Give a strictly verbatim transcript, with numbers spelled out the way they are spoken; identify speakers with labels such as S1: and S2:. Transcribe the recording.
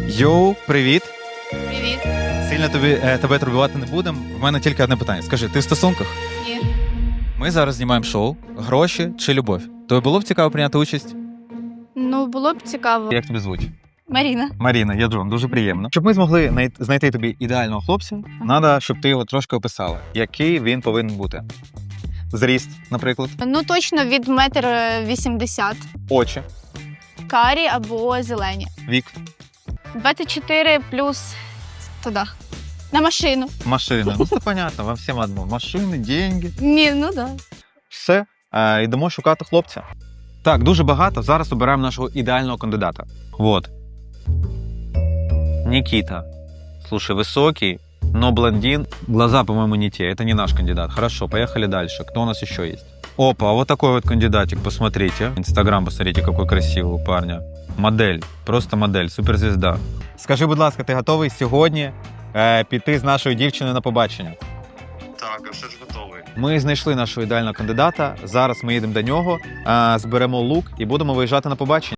S1: Йоу, привіт!
S2: Привіт.
S1: Сильно тобі, е, тебе турбувати не будемо. В мене тільки одне питання. Скажи, ти в стосунках?
S2: Ні.
S1: Ми зараз знімаємо шоу «Гроші чи любов». Тобі було б цікаво прийняти участь?
S2: Ну, було б цікаво.
S1: Як тобі звуть?
S2: Маріна.
S1: Маріна, я Джон, дуже приємно. Щоб ми змогли най- знайти тобі ідеального хлопця, треба, щоб ти його трошки описала. Який він повинен бути? Зріст, наприклад,
S2: Ну, точно від метр вісімдесят.
S1: очі,
S2: Карі або зелені.
S1: вік,
S2: двадцять чотири плюс туди. На машину.
S1: машина. Ну, це понятно, вам всім одно. Машини, деньги.
S2: Ні, ну да.
S1: Все, е, йдемо шукати хлопця. Так, дуже багато. Зараз обираємо нашого ідеального кандидата. Вот. Никита. Слушай, высокий, но блондин. Глаза, по-моему, не те. Это не наш кандидат. Хорошо, поехали дальше. Кто у нас еще есть? Опа, вот такой вот кандидатик, посмотрите. Инстаграм, посмотрите, какой красивый у парня. Модель, просто модель, суперзвезда. Скажи, будь ласка, ти готовий сьогодні е, піти з нашою дівчиною на побачення?
S3: Так, а все ж готовий.
S1: Ми знайшли нашого ідеального кандидата. Зараз ми їдемо до нього, е, зберемо лук і будемо виїжджати на побачення.